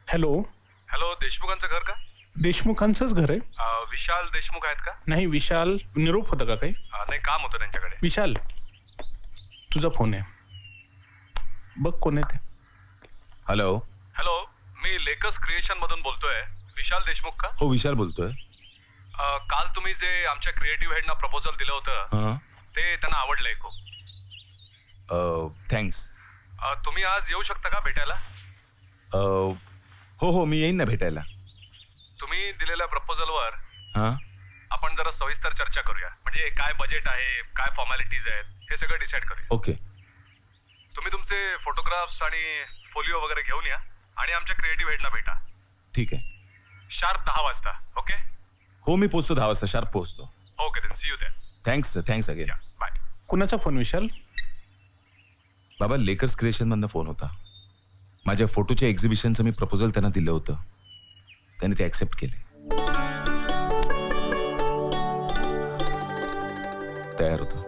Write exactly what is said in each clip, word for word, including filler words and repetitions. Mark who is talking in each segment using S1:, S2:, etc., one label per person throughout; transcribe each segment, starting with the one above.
S1: Hello.
S2: Hello, देशमुखांचं घर का?
S1: देशमुखांचंच घर आहे.
S2: अ, विशाल देशमुख आहेत का?
S1: नाही, विशाल निरोप होता का काही?
S2: अ, नाही, काम होतं त्यांच्याकडे.
S1: विशाल, तुझा फोन आहे, बघ कोण आहे ते.
S3: हॅलो.
S2: हॅलो, मी लेकस क्रिएशन मधून बोलतोय. विशाल देशमुख का?
S3: हो, विशाल बोलतोय.
S2: अ, काल तुम्ही जे आमच्या क्रिएटिव्ह हेडना प्रपोजल दिलं होतं
S3: हां.
S2: ते त्यांना आवडलंय खूप.
S3: थँक्स.
S2: अ, तुम्ही आज येऊ शकता का भेटायला?
S3: हो हो, मी येईन ना भेटायला.
S2: तुम्ही दिलेल्या प्रपोजलवर
S3: हां.
S2: आपण जरा सविस्तर चर्चा करूया. म्हणजे काय बजेट आहे, काय फॉर्मॅलिटीज आहेत, हे सगळं डिसाईड करूया.
S3: ओके.
S2: तुम्ही तुमचे फोटोग्राफ्स आणि फोलिओ वगैरे घेऊन या आणि आमच्या क्रिएटिव्ह हेडना भेटा.
S3: ठीक आहे.
S2: शार्प दहा वाजता. ओके?
S3: हो, मी पोचतो दहा वाजता शार्प पोचतो.
S2: Okay then, see you there.
S3: Thanks thanks again.
S2: Yeah, bye.
S1: कुणाचा फोन विशाल?
S3: बाबा, लेकर्स क्रिएशन मधनं फोन होता. माझ्या फोटोच्या एक्झिबिशनचं मी प्रपोजल त्यांना दिलं होतं, त्यांनी ते ऍक्सेप्ट केले. तयार होतो.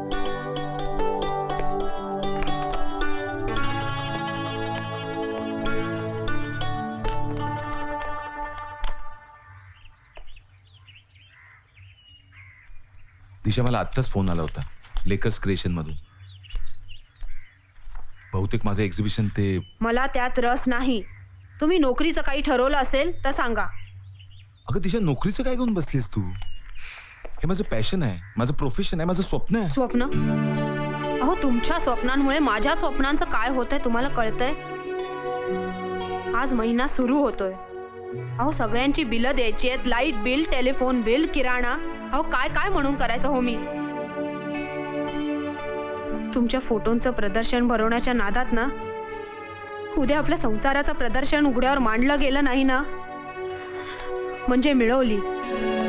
S3: दिशा, मला आत्ताच फोन आला होता लेकर्स क्रिएशन मधून. बहुतेक माझं एक्झिबिशन ते.
S4: मला त्यात रस नाही. तुम्ही नोकरीचं काही ठरवलं असेल तर सांगा.
S3: अगं दिशा, नोकरीचं काय घेऊन बसलीस तू? हे माझं पॅशन आहे, माझं प्रोफेशन आहे, माझं स्वप्न आहे.
S4: स्वप्न? अहो, तुमच्या स्वप्नांमुळे माझ्या स्वप्नांचं काय होतंय तुम्हाला कळतंय? आज महिना सुरू होतोय. अहो, सगळ्यांची बिलं द्यायची आहेत. लाईट बिल, टेलिफोन बिल, किराणा. अहो, काय काय म्हणून करायचं हो मी? तुमच्या फोटोंचं प्रदर्शन भरवण्याच्या नादात ना उद्या आपल्या संसाराचं प्रदर्शन उघड्यावर मांडलं गेलं नाही ना, म्हणजे मिळवली